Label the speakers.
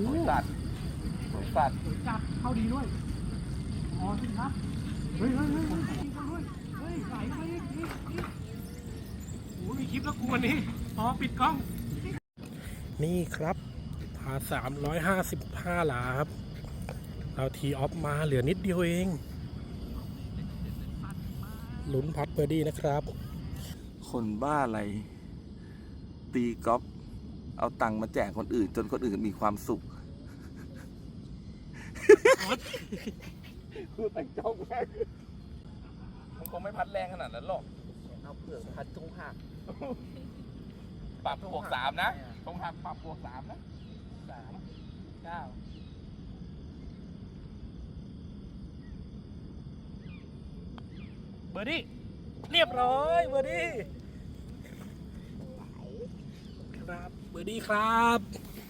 Speaker 1: สวยสัตว์สวยสัตว์
Speaker 2: จับเข้าดีด้วยอ๋อสิครับเฮ้ยยิงกันด้วยเฮ้ยไหลไปอีกโอ้มีคลิปแล้วกูวันนี้อ๋อปิดกล้องนี่ครับพา355 หลาครับเราทีออฟมาเหลือนิดเดียวเองลุ้นพัดเบอร์ดี้นะครับ
Speaker 1: คนบ้าอะไรตีกอล์ฟเอาตังค์มาแจกคนอื่นจนคนอื่นมีความสุขคือแต่งเจ้าแม่มันคงไม่พัดแรงขนาดนั้นหรอก
Speaker 3: เอาเปลือกพัดทุ่งหัก
Speaker 1: ปรับบวก3นะตรงหักปรับบวก3นะ
Speaker 3: 3 9
Speaker 2: เบอร์ดี้เรียบร้อยเบอร์ดี้ครับเบอร์ดี้ครับ